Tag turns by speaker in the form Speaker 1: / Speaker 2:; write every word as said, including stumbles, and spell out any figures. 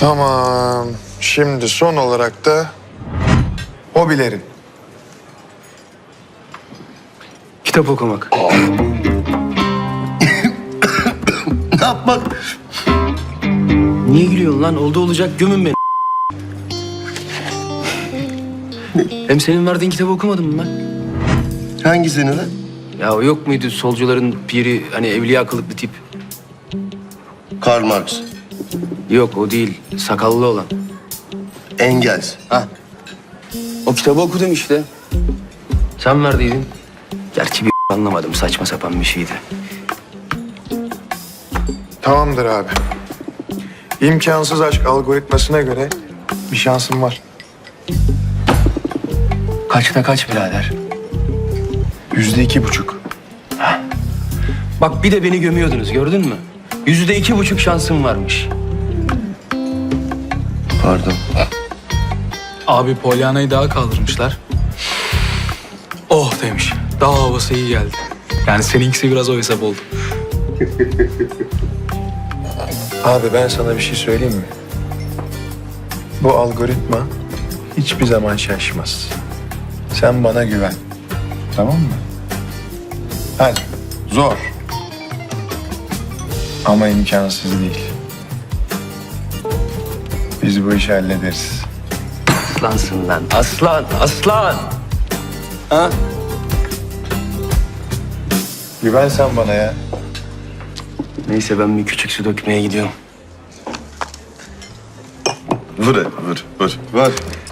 Speaker 1: Tamam. Şimdi son olarak da hobilerin.
Speaker 2: Kitap okumak.
Speaker 3: Ne yapmak?
Speaker 2: Niye gülüyorsun lan? Oldu olacak gömün beni. Hem senin verdiğin kitabı okumadın mı ben?
Speaker 3: Hangisini lan?
Speaker 2: Ya o yok muydu solcuların piri, hani evliya kılıklı tip?
Speaker 3: Karl Marx.
Speaker 2: Yok o değil, sakallı olan.
Speaker 3: Engels.
Speaker 2: Ha. O kitabı okudum işte. Sen verdiydin. Gerçi bir anlamadım, saçma sapan bir şeydi.
Speaker 1: Tamamdır abi. İmkansız aşk algoritmasına göre bir şansım var.
Speaker 2: Kaçta kaç birader?
Speaker 1: Yüzde iki buçuk.
Speaker 2: Bak bir de beni gömüyordunuz, gördün mü? Yüzde iki buçuk şansım varmış.
Speaker 3: Pardon.
Speaker 4: Abi Polyana'yı daha kaldırmışlar. Oh demiş. Daha havası iyi geldi. Yani seninkisi biraz o hesap oldu.
Speaker 1: Abi ben sana bir şey söyleyeyim mi? Bu algoritma hiçbir zaman şaşmaz. Sen bana güven. Tamam mı? Hadi. Zor. Ama imkansız değil. Biz bu işi hallederiz.
Speaker 2: Aslansın lan, aslan, aslan. Ha?
Speaker 1: Güven sen bana ya.
Speaker 2: Neyse ben bir küçük su dökmeye gidiyorum.
Speaker 3: Vur hadi, vur, vur. Vur.